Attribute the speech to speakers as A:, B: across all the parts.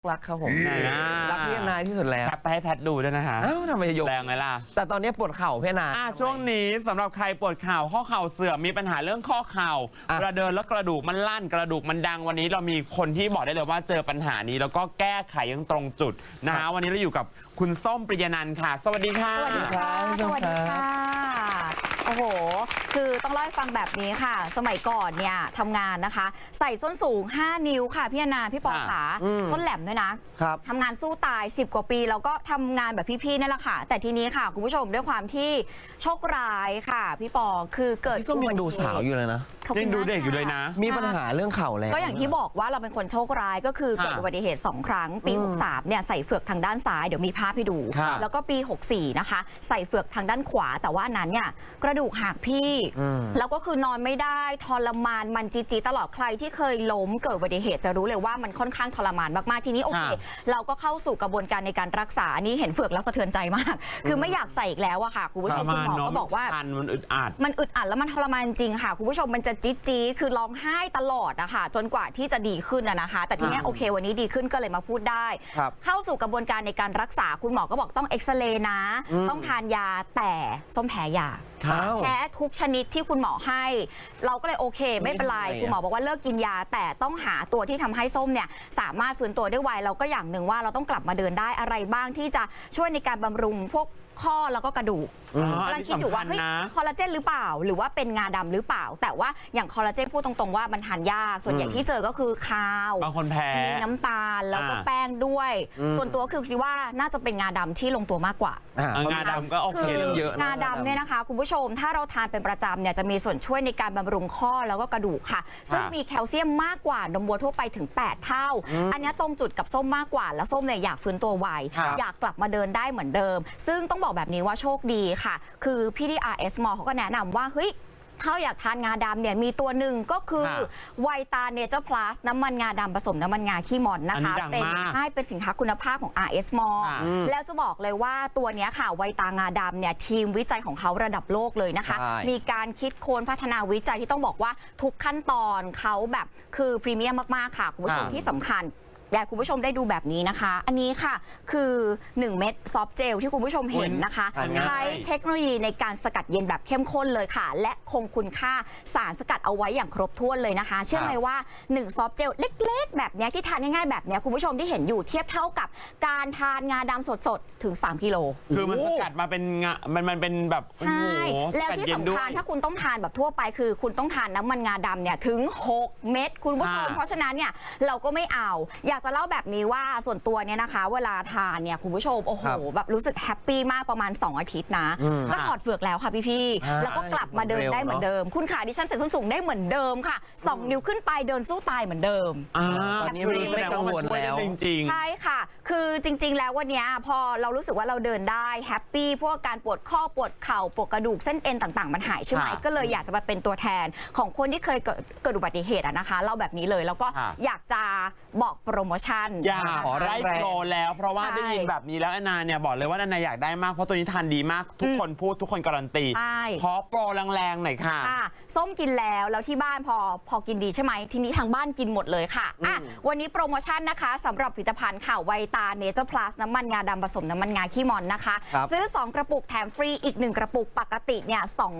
A: รักครับผมรักพี่นายที่สุดแล้ว
B: ไปให้แพทดูด้วยนะคะ
A: อ้าวทำไมยก
B: แรงไงล่ะ
A: แต่ตอนนี้ปวดเข่าพี่นาย
B: ช่วงนี้สำหรับใครปวดเข่าข้อเข่าเสื่อมมีปัญหาเรื่องข้อเข่าเวลาเดินแล้วกระดูกมันลั่นกระดูกมันดังวันนี้เรามีคนที่บอกได้เลยว่าเจอปัญหานี้แล้วก็แก้ไขยังตรงจุดนะฮะวันนี้เราอยู่กับคุณส้มปริยนันท์ค่ะสวัสดีค่ะ
C: สวัสดีค่ะสวัสดีค่ะโอ้โหคือต้องเล่าให้ฟังแบบนี้ค่ะสมัยก่อนเนี่ยทำงานนะคะใส่ส้นสูง5 นิ้วค่ะพี่อนาพี่ปอขาส้นแหลมด้วยนะทำงานสู้ตาย10 กว่าปีแล้วก็ทำงานแบบพี่ๆนั่นแหละค่ะแต่ทีนี้ค่ะคุณผู้ชมด้วยความที่โชคร้ายค่ะพี่ปอคือเกิด
A: พี่ส้มยังดูสาวอยู่เลยนะ
B: ยังดูเด็กอยู่เลยนะ
A: มีปัญหาเรื่องเข่าแล้ว
C: ก็อย่างที่บอกว่าเราเป็นคนโชคร้ายก็คือเกิดอุบัติเหตุ2 ครั้งปี63เนี่ยใส่เฟือกทางด้านซ้ายเดี๋ยวมีภาพให้ดูแล้วก็ปี64นะคะใส่เฟือกทางด้านขวาแต่ว่านั้นเนี่ยกระดูกหักพี่แล้วก็คือนอนไม่ได้ทรมานมันจีตลอดใครที่เคยล้มเกิดอุบัติเหตุจะรู้เลยว่ามันค่อนข้างทรมานมากๆทีนี้โอเคเราก็เข้าสู่กระบวนการในการรักษานี้เห็นเฟือกแล้วสะเทือนใจมากคือไม่อยากใส่อีกแล้วอะค่ะคุณผู้ชมคุณหมอก็บอกว่า
B: มันอึดอั
C: ดแล้วมันทรมานจริงค่ะคุณผู้ชมมันจะจี๊ดคือร้องไห้ตลอดนะคะจนกว่าที่จะดีขึ้นนะคะแต่ทีนี้โอเควันนี้ดีขึ้นก็เลยมาพูดได้เข้าสู่กระบวนการในการรักษาคุณหมอก็บอกต้องเอ็กซเรย์นะต้องทานยาแต่ส้มแพ้ยาแพ้ทุกชนิดที่คุณหมอให้เราก็เลยโอเคไม่เป็นไรคุณหมอบอกว่าเลิกกินยาแต่ต้องหาตัวที่ทำให้ส้มเนี่ยสามารถฟื้นตัวได้ไวเราก็อย่างหนึ่งว่าเราต้องกลับมาเดินได้อะไรบ้างที่จะช่วยในการบำรุงพวกข้อแล้วก็กระดูกกำลังคิดอยู่ว่าเฮ้ยคอลลาเจนหรือเปล่าหรือว่าเป็นงาดำหรือเปล่าแต่ว่าอย่างคอลลาเจนพูดตรงๆว่ามันทานยากส่วนใหญ่ที่เจอก็คือข้าว
B: บางคนแพ้
C: มีน้ำตาลแล้วก็แป้งด้วยส่วนตัวคือคิดว่าน่าจะเป็นงาดำที่ลงตัวมากกว่
B: างาดำก็โอเค
A: เยอะ
C: งาดำเนี่ยนะคะคุณผู้ชมถ้าเราทานเป็นประจำเนี่ยจะมีส่วนช่วยในการบำรุงข้อแล้วก็กระดูกค่ะซึ่งมีแคลเซียมมากกว่านมวัวทั่วไปถึง8 เท่าอันนี้ตรงจุดกับส้มมากกว่าแล้วส้มเนี่ยอยากฟื้นตัวไวอยากกลับมาเดินได้เหมือนเดิมซึ่งต้องบอกแบบนี้ว่าโชคดีค่ะคือพี่ที่ RS Mall เขาก็แนะนำว่าเฮ้ยถ้าอยากทานงาดำเนี่ยมีตัวหนึ่งก็คือไวตาเนเจอร์พลัสน้ำมันงาดำผสมน้ำมันงาขี้มอนนะคะเป็นสินค้าคุณภาพของ RS Mall แล้วจะบอกเลยว่าตัวนี้ค่ะไวตางาดำเนี่ยทีมวิจัยของเขาระดับโลกเลยนะคะมีการคิดค้นพัฒนาวิจัยที่ต้องบอกว่าทุกขั้นตอนเขาแบบคือพรีเมียมมากๆค่ะคุณผู้ชมที่สำคัญอยากคุณผู้ชมได้ดูแบบนี้นะคะอันนี้ค่ะคือ1 เม็ดซอฟต์เจลที่คุณผู้ชมเห็นนะคะใช้เทคโนโลยีในการสกัดเย็นแบบเข้มข้นเลยค่ะและคงคุณค่าสารสกัดเอาไว้อย่างครบถ้วนเลยนะคะเชื่อไหมว่า1ซอฟต์เจลเล็กๆแบบนี้ที่ทานง่ายๆแบบนี้คุณผู้ชมที่เห็นอยู่เทียบเท่ากับการทานงาดำสดๆถึง3 กิโล
B: คือมันสกัดมาเป็นงามันเป็นแบบ
C: ใช่แล้วที่สำคัญถ้าคุณต้องทานแบบทั่วไปคือคุณต้องทานน้ำมันงาดำเนี่ยถึง6 เม็ดคุณผู้ชมเพราะฉะนั้นเนี่ยเราก็ไม่เอาอยากจะเล่าแบบนี้ว่าส่วนตัวเนี่ยนะคะเวลาทานเนี่ยคุณผู้ชมโอ้โหแบบรู้สึกแฮปปี้มากประมาณ2 อาทิตย์นะก็ถอดเฟือกแล้วค่ะพี่ๆแล้วก็กลับมาเดินได้เหมือนเดิมคุณขาดิฉันใส่ส้นสูงได้เหมือนเดิมค่ะ2 นิ้วขึ้นไปเดินสู้ตายเหมือนเดิม
A: ตอนนี้ไม่กังวลแล้ว
B: จริง
C: ๆใช่ค่ะคือจริงๆแล้ววันนี้พอเรารู้สึกว่าเราเดินได้แฮปปี้พวกการปวดข้อปวดเข่าปวดกระดูกเส้นเอ็นต่างๆมันหายใช่ไหมก็เลยอยากจะมาเป็นตัวแทนของคนที่เคยเกิดอุบัติเหตุนะคะเล่าแบบนี้เลยแล้วก็อยากจะบอกโปรโมชั่น
B: ขอไล่โปรแล้วเพราะว่าได้ยินแบบนี้แล้วแอนนาเนี่ยบอกเลยว่าแอนนาอยากได้มากเพราะตัวนี้ทานดีมากทุกคนพูดทุกคนการันตีขอโปรแรงๆหน่อยค่ะ
C: ส้มกินแล้วที่บ้านพอกินดีใช่ไหมทีนี้ทางบ้านกินหมดเลยค่ะวันนี้โปรโมชั่นนะคะสำหรับผลิตภัณฑ์ค่ะไวตาเนเจอร์พลัสน้ำมันงาดำผสมน้ำมันงาขี้มอนนะคะซื้อ2 กระปุกแถมฟรีอีก1 กระปุกปกติเนี่ย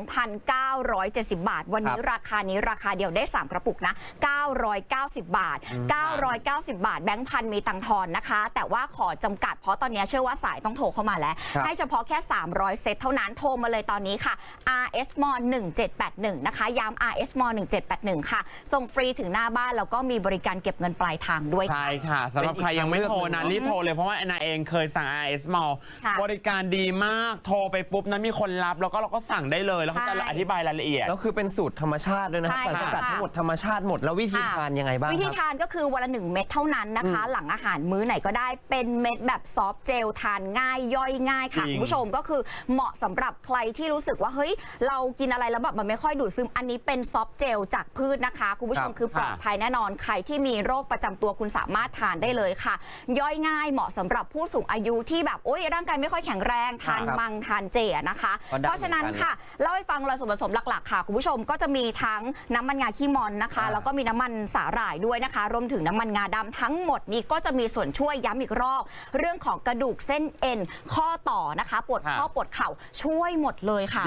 C: 2,970 บาทวันนี้ราคานี้ราคาเดียวได้3 กระปุกนะ990 บาท990 บาทแบงค์พันมีตังทอนนะคะแต่ว่าขอจำกัดเพราะตอนนี้เชื่อว่าสายต้องโทรเข้ามาแล้วให้เฉพาะแค่300 เซตเท่านั้นโทรมาเลยตอนนี้ค่ะ RS Mall 1781นะคะย้ำ RS Mall 1781ค่ะส่งฟรีถึงหน้าบ้านแล้วก็มีบริการเก็บเงินปลายทางด้วย
B: ใช่ค่ะสำหรับใครยังไม่โทรนะรีบโทรเลยเพราะว่าแอนนาเองเคยสั่ง RS Mall บริการดีมากโทรไปปุ๊บนะมีคนรับแล้วก็เราก็สั่งได้เลยแล้วเขาจะอธิบายรายละเอียด
A: แล้วคือเป็นสูตรธรรมชาติด้วยนะครับสารสกัดทั้งหมดธรรมชาติหมดแล้ววิธีทานยังไงบ้าง
C: วิธีทานก็คือวันละ1 เม็ดเท่านั้นนะคะหลังอาหารมื้อไหนก็ได้เป็นเม็ดแบบซอฟต์เจลทานง่ายย่อยง่ายค่ะคุณผู้ชมก็คือเหมาะสำหรับใครที่รู้สึกว่าเฮ้ยเรากินอะไรแล้วแบบมันไม่ค่อยดูดซึมอันนี้เป็นซอฟต์เจลจากพืชนะคะคุณผู้ชมคือปลอดภัยแน่นอนใครที่มีโรคประจำตัวคุณสามารถทานได้เลยค่ะย่อยง่ายง่ายเหมาะสำหรับผู้สูงอายุที่แบบโอ๊ยร่างกายไม่ค่อยแข็งแรงทานมังทานเจนะคะ เพราะฉะนั้นค่ะเล่าให้ฟังเลยส่วนผสมหลักๆค่ะคุณผู้ชมก็จะมีทั้งน้ำมันงาขี้มอนนะคะแล้วก็มีน้ำมันสาหร่ายด้วยนะคะรวมถึงน้ำมันงาดำทั้งหมดนี้ก็จะมีส่วนช่วยย้ำอีกรอบเรื่องของกระดูกเส้นเอ็นข้อต่อนะคะปวดข้อปวดเข่าช่วยหมดเลยค่ะ